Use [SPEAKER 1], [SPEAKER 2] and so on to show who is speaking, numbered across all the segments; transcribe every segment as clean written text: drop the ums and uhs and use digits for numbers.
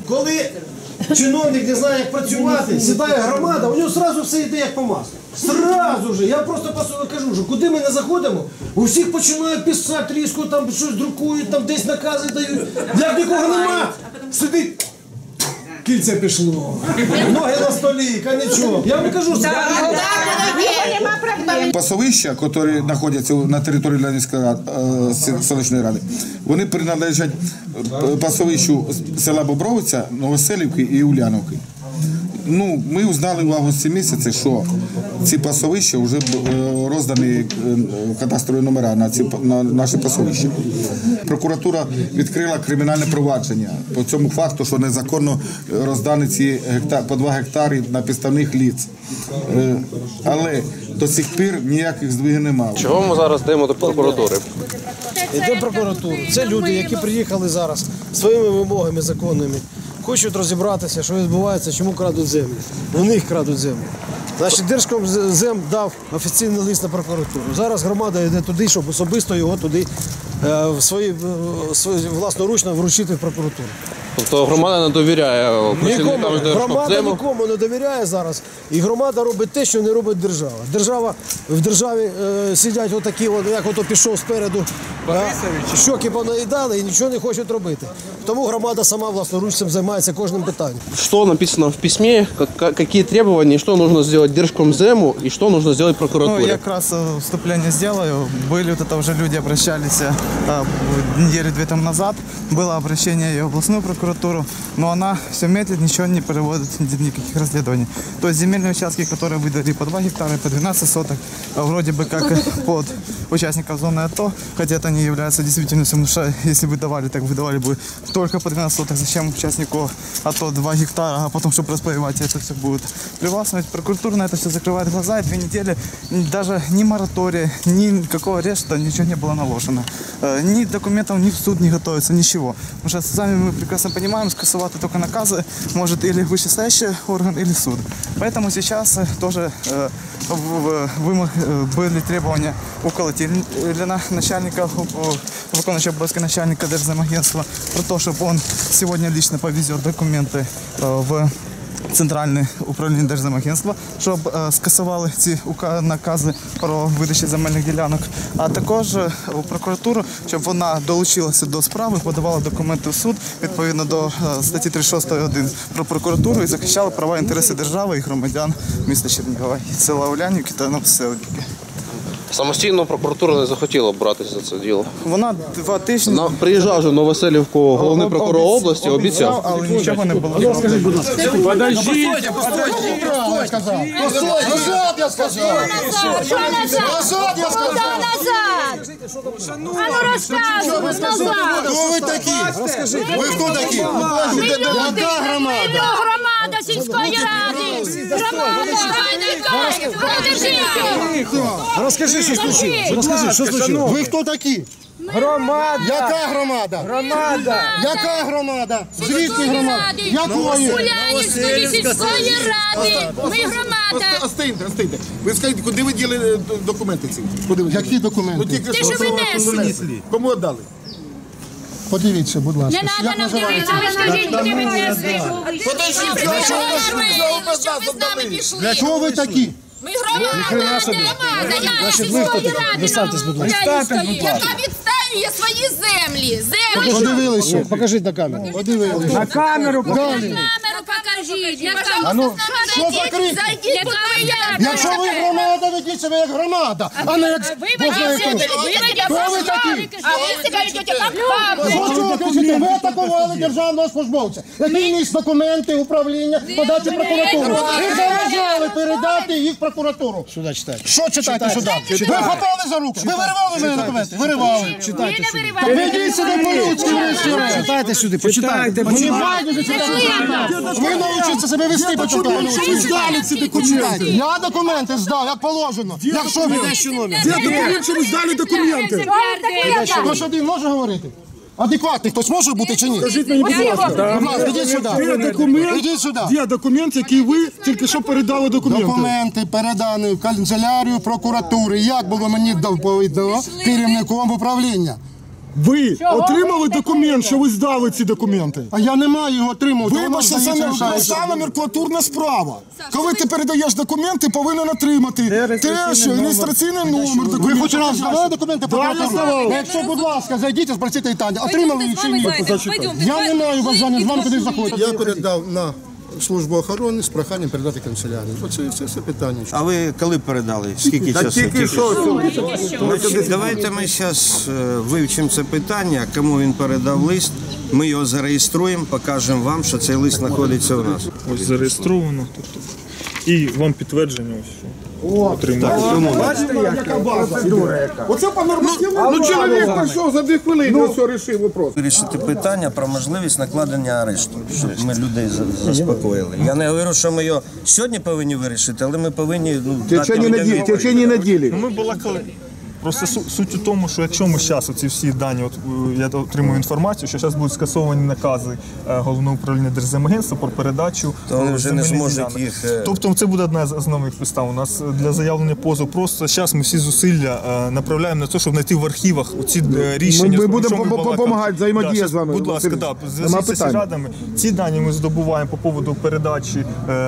[SPEAKER 1] коли чиновник не знає, як працювати, сідає громада, у нього одразу все йде як по маслу. Сразу же. Я просто кажу, що куди ми не заходимо, у всіх починають писати різко, там щось друкують, там десь накази дають. Як нікого нема, сидить. Кільце пішло, ноги на столі, нічого. Я вам кажу,
[SPEAKER 2] пасовища, які знаходяться на території Леонівської селищної ради, вони приналежать пасовищу села Бобровиця, Новоселівки і Уляновки. Ну, ми узнали в августі місяці, що ці пасовища вже роздані кадастрові номера на наші пасовища. Прокуратура відкрила кримінальне провадження по цьому факту, що незаконно роздані ці по 2 гектари на підставних лиць. Але до сих пір ніяких здвигів немає.
[SPEAKER 3] Чого ми зараз йдемо до прокуратури?
[SPEAKER 1] Йдемо в прокуратуру. Це люди, які приїхали зараз своїми вимогами законними. Хочуть розібратися, що відбувається, чому крадуть землю. У них крадуть землю. Значить, Держкомзем дав офіційний лист на прокуратуру. Зараз громада йде туди, щоб особисто його туди власноручно вручити в прокуратуру.
[SPEAKER 3] Тобто громада не довіряє працівникам Держкомзему?
[SPEAKER 1] Громада нікому не довіряє зараз. І громада робить те, що не робить держава. В державі сидять отакі, як ото пішов спереду, щоки понаїдали і нічого не хочуть робити. Тому громада сама власноручно займається кожним питанням.
[SPEAKER 3] Що написано в письмі, які требування, що потрібно зробити Держкомзему і що потрібно зробити прокуратурі?
[SPEAKER 4] Ну, я якраз вступление сделаю. Были вот это уже люди обращались недели 2 тому назад. Было обращение и в областную прокуратуру, но она все медлит, ничего не проводит, никаких расследований. То есть земельные участки, которые выдали по 2 гектара, по 12 соток, вроде бы как под участников зоны АТО, хотя это не является действительностью, потому что если бы давали, так выдавали бы только по 12 соток. Зачем участнику АТО 2 гектара, а потом, чтобы распаевать, это все будет привластвовать. Прокуратура на это все закрывает глаза, и 2 недели даже ни моратория, никакого ареста, ничего не было наложено. Ни документов, ни в суд не готовится, ничего. Потому что сами мы прекрасно понимаем, скасовать только наказы может или вышестоящий орган, или суд. Поэтому сейчас тоже были требования уколотильного начальника, выполняющего обовязки начальника Держземагентства, про то, чтобы он сегодня лично повезет документы в Центральне управління Держземагентства, щоб скасували ці накази про видачу земельних ділянок, а також у прокуратуру, щоб вона долучилася до справи, подавала документи в суд відповідно до статті 36.1 про прокуратуру і захищала права і інтереси держави і громадян міста Чернігова, села Улянівки та Новоселівки.
[SPEAKER 3] Самостійно прокуратура не захотіла братися за це діло.
[SPEAKER 4] Вона 2 тижні...
[SPEAKER 3] Приїжджав же в Новоселівку головний прокурор області, обіцяв.
[SPEAKER 4] Але нічого не було.
[SPEAKER 1] Скажіть, будь ласка.
[SPEAKER 5] Подождіть!
[SPEAKER 6] Назад, я сказав!
[SPEAKER 5] Що назад?
[SPEAKER 6] Назад, я сказав!
[SPEAKER 5] Куда назад? А ну розказуй, назад!
[SPEAKER 6] Хто ви такі? Ви хто такі? Яка громада?
[SPEAKER 5] Громада сільської ради! Громада!
[SPEAKER 1] Розкажи, що случилось. Розкажи, що случилось.
[SPEAKER 6] Ви хто такі?
[SPEAKER 1] Громада.
[SPEAKER 6] Яка громада?
[SPEAKER 1] Громада.
[SPEAKER 6] Яка громада? Звідки громада? Якої?
[SPEAKER 5] Улянівської сільської ради! Ми громада!
[SPEAKER 6] Остиньте. Ви скажіть, куди ви діли документи ці? Які документи?
[SPEAKER 5] Ти що винесли?
[SPEAKER 6] Кому віддали? Подивіться, будь ласка.
[SPEAKER 5] Не треба нам дивитися, ви скажіть, куди ви несли.
[SPEAKER 6] Подождіть,
[SPEAKER 5] Щоб ви з нами пішли.
[SPEAKER 6] для чого ви такі?
[SPEAKER 5] Ми громада, громада, сільської ради, яка відстоює свої землі.
[SPEAKER 6] Подивилися.
[SPEAKER 1] Покажіть на камеру.
[SPEAKER 6] Подивилися.
[SPEAKER 1] На камеру покажіть.
[SPEAKER 5] Камеру покажіть.
[SPEAKER 6] А ну, що за крик? Якщо ви громада, ведіть себе як громада, а не як Бог знає хто. Хто ви такі?
[SPEAKER 5] А ви себе ведете як папа.
[SPEAKER 6] Що кричите? Ви атакували державного службовця, який ніс документи, управління, подачі прокуратуру. Ви заважали передати їх в прокуратуру.
[SPEAKER 1] Сюди читайте.
[SPEAKER 6] Що читайте сюди? Ви хапали за руки. Ви виривали мої документи? Виривали.
[SPEAKER 1] Читайте сюди.
[SPEAKER 6] Ведіть себе по-людськи, врешті-решт.
[SPEAKER 1] Читайте сюди, почитайте.
[SPEAKER 6] Мені байдуже читати. Ви навчіться себе вести по-людськи. Я документи здав, як положено. Якщо ви дещо номер.
[SPEAKER 1] Де документ, що ви здали документи?
[SPEAKER 6] Хтось один може говорити? Адекватний хтось може бути чи ні?
[SPEAKER 1] Скажіть мені, будь ласка.
[SPEAKER 6] Будь ласка, ідіть сюди. Ідіть сюди.
[SPEAKER 1] Є документ, який ви тільки що передали документи.
[SPEAKER 6] Документи передані в канцелярію прокуратури. Як було мені доповідно керівником управління? Ви отримали документ, що ви здали ці документи? А я не маю його отримувати. Вибачте, це не номенклатурна справа. Коли ти передаєш документи, повинен отримати теж реєстраційний номер. Ви хоч раз здавали документи прокуратуру? Якщо, будь ласка, зайдіть і спросіть Таня, отримали їх чи ні? Я не маю бажання з вами куди заходити.
[SPEAKER 7] Я передав на службу охорони з проханням передати канцелярію. Оце все питання.
[SPEAKER 8] А ви коли передали? Скільки часу?
[SPEAKER 2] Тільки що.
[SPEAKER 8] Давайте ми зараз вивчимо це питання, кому він передав лист, ми його зареєструємо, покажемо вам, що цей лист знаходиться у нас.
[SPEAKER 9] Ось зареєстровано. Тобто, і вам підтвердження ось що.
[SPEAKER 2] Бачите, яка база? Оце по нормативному. Ну чоловік прийшов за 2 хвилини, все вирішив вопрос.
[SPEAKER 8] Вирішити питання про можливість накладення арешту, щоб ми людей заспокоїли. Я не говорю, що ми його сьогодні повинні вирішити, але ми повинні дати людям відповідь.
[SPEAKER 2] В течение неділі.
[SPEAKER 9] Ну, ми балакали. Просто суть у тому, що якщо ми зараз оці всі дані, от я отримую інформацію, що зараз будуть скасовані накази Головного управління Держземагентства про передачу
[SPEAKER 8] то вони вже не
[SPEAKER 9] земельних
[SPEAKER 8] зможуть
[SPEAKER 9] ділянок.
[SPEAKER 8] їх...
[SPEAKER 9] Тобто це буде одна з основних підстав. У нас для заявлення позову просто зараз ми всі зусилля направляємо на те, щоб знайти в архівах ці рішення.
[SPEAKER 2] Ми будемо допомагати, взаємодія з вами.
[SPEAKER 9] Будь ласка, зв'язку з радами. Ці дані ми здобуваємо по поводу передачі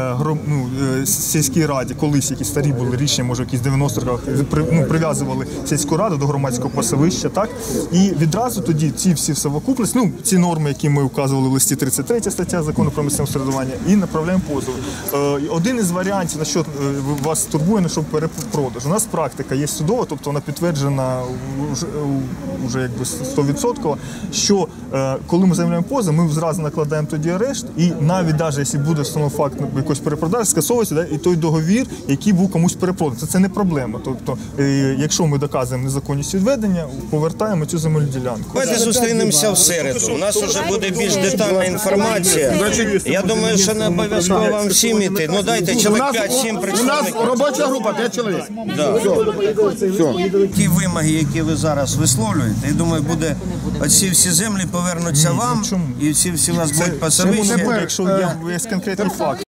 [SPEAKER 9] сільській раді, колись якісь старі були рішення, може якісь 90-х роках, прив'язували сільську раду до громадського пасовища, так? І відразу тоді ці всі совокупності, ці норми, які ми вказували в листі 33 стаття Закону про місцеве самоврядування, і направляємо позов. Один із варіантів, на що вас турбує, на що перепродаж. У нас практика є судова, тобто вона підтверджена вже якби 100%, що коли ми заявляємо позов, ми зразу накладаємо тоді арешт, і навіть якщо буде встановлений факт якоїсь перепродажі, скасовується і той договір, який був комусь перепроданий. Це не проблема. Тобто, якщо ми доказуємо незаконність відведення, повертаємо цю земельну ділянку.
[SPEAKER 8] Давайте зустрінемося в середу. У нас вже буде більш детальна інформація. Я думаю, що не обов'язково вам всім іти. Ну дайте чоловік 5-7 представників.
[SPEAKER 2] У нас робоча група, 5 чоловік.
[SPEAKER 8] Ті вимоги, які ви зараз висловлюєте, я думаю, буде оці всі землі повернуться вам, і ці всі у вас будуть пасовища.
[SPEAKER 9] Якщо є конкретний факт.